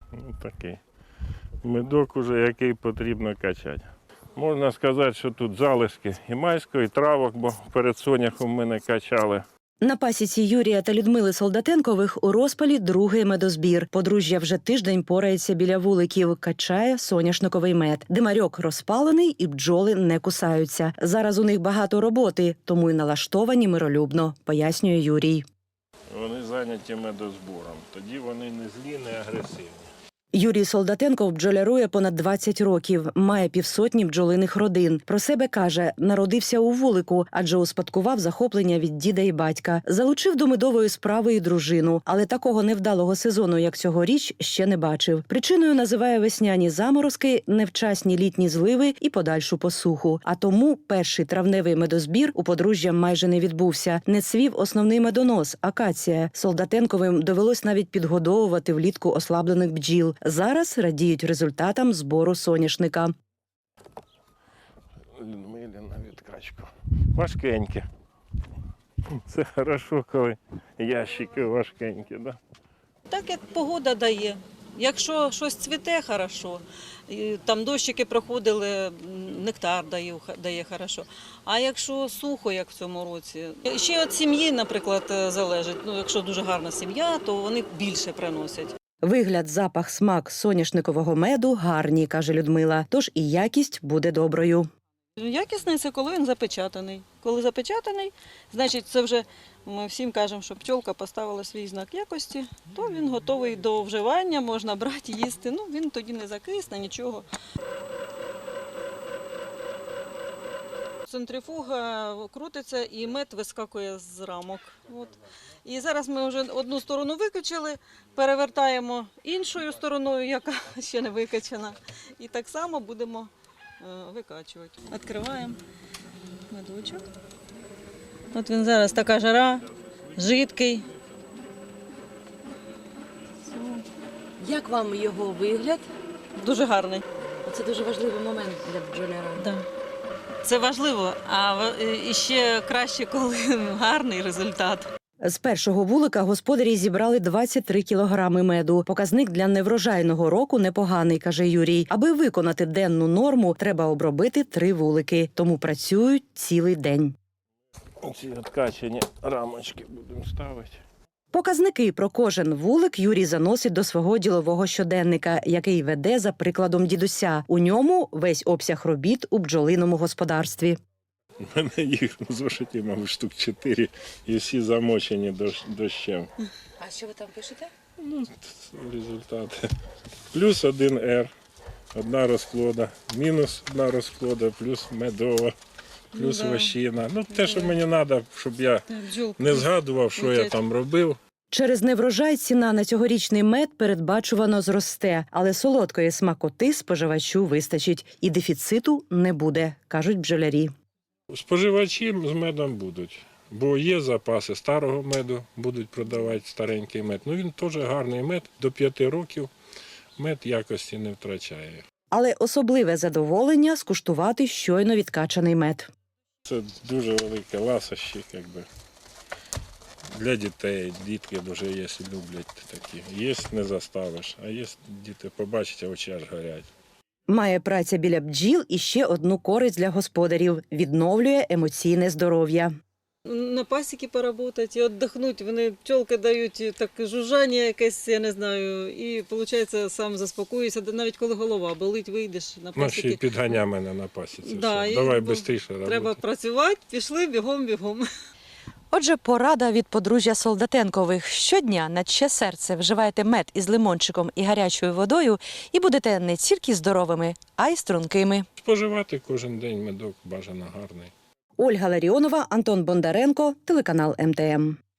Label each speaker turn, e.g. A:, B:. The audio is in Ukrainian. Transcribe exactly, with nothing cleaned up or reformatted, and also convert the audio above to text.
A: Ну, такий медок уже, який потрібно качати. Можна сказати, що тут залишки і майського, і травок, бо перед соняхом ми не качали.
B: На пасіці Юрія та Людмили Солдатенкових у розпалі другий медозбір. Подружжя вже тиждень порається біля вуликів, качає соняшниковий мед. Димарьок розпалений і бджоли не кусаються. Зараз у них багато роботи, тому й налаштовані миролюбно, пояснює Юрій.
A: Вони зайняті медозбором, тоді вони не злі, не агресивні.
B: Юрій Солдатенков бджолярує понад двадцять років, має півсотні бджолиних родин. Про себе каже, народився у вулику, адже успадкував захоплення від діда і батька. Залучив до медової справи і дружину, але такого невдалого сезону, як цьогоріч, ще не бачив. Причиною називає весняні заморозки, невчасні літні зливи і подальшу посуху. А тому перший травневий медозбір у подружжя майже не відбувся. Не цвів основний медонос – акація. Солдатенковим довелось навіть підгодовувати влітку ослаблених бджіл. Зараз радіють результатам збору соняшника.
A: Людмилі на відкачку. Важкенькі. Це хорошо, коли ящики важкенькі, да?
C: Так, як погода дає. Якщо щось цвіте, хорошо. І там дощики проходили, нектар дає, дає хорошо. А якщо сухо, як в цьому році. Ще від сім'ї, наприклад, залежить. Ну, якщо дуже гарна сім'я, то вони більше приносять.
B: Вигляд, запах, смак соняшникового меду гарні, каже Людмила, тож і якість буде доброю.
C: Якісний – це коли він запечатаний. Коли запечатаний, значить це вже ми всім кажемо, що пчолка поставила свій знак якості, то він готовий до вживання, можна брати, їсти. Ну, він тоді не закисне, нічого. Центрифуга крутиться і мед вискакує з рамок. От. І зараз ми вже одну сторону викачали, перевертаємо іншою стороною, яка ще не викачана. І так само будемо викачувати. Відкриваємо медочок. От він зараз така жара, жидкий.
D: Як вам його вигляд?
C: Дуже гарний.
D: Це дуже важливий момент для бджоляра.
C: Да. Це важливо, а ще краще, коли гарний результат.
B: З першого вулика господарі зібрали двадцять три кілограми меду. Показник для неврожайного року непоганий, каже Юрій. Аби виконати денну норму, треба обробити три вулики. Тому працюють цілий день.
A: Ці відкачені рамочки будемо ставити.
B: Показники про кожен вулик Юрій заносить до свого ділового щоденника, який веде за прикладом дідуся. У ньому весь обсяг робіт у бджолиному господарстві.
A: У мене їх в зошиті, мабуть, штук чотири, і всі замочені дощем.
D: А що ви там пишете?
A: Ну, результати. Плюс один ер, одна розплода, мінус одна розплода, плюс медова, плюс
C: Ну, да.
A: вощина. Ну, те, що мені треба, щоб я
C: Бджолка.
A: не згадував, що я там робив.
B: Через неврожай ціна на цьогорічний мед передбачувано зросте, але солодкої смакоти споживачу вистачить і дефіциту не буде, кажуть бджолярі.
A: Споживачі з медом будуть, бо є запаси старого меду, будуть продавати старенький мед. Ну він теж гарний мед, до п'яти років мед якості не втрачає.
B: Але особливе задоволення скуштувати щойно відкачаний мед.
A: Це дуже велике ласощі, якби. Для дітей, дітки дуже є, люблять такі. Є, не заставиш, а є діти побачать, а очі аж горять.
B: Має праця біля бджіл і ще одну користь для господарів – відновлює емоційне здоров'я.
C: На пасіки поработати і віддихнути. Вони пчолки дають так жужжання якесь, я не знаю, і виходить сам заспокоюєшся, навіть коли голова болить, вийдеш на
A: Ну, ще й
C: пасіки.
A: підганя мене на пасіці.
C: Да,
A: все.
C: і
A: Давай
C: бо
A: швидше робити.
C: Треба працювати, пішли бігом-бігом.
B: Отже, порада від подружжя Солдатенкових. Щодня на чиє серце вживайте мед із лимончиком і гарячою водою і будете не тільки здоровими, а й стрункими.
A: Споживати кожен день медок бажано гарний.
B: Ольга Ларіонова, Антон Бондаренко, телеканал ем те ем.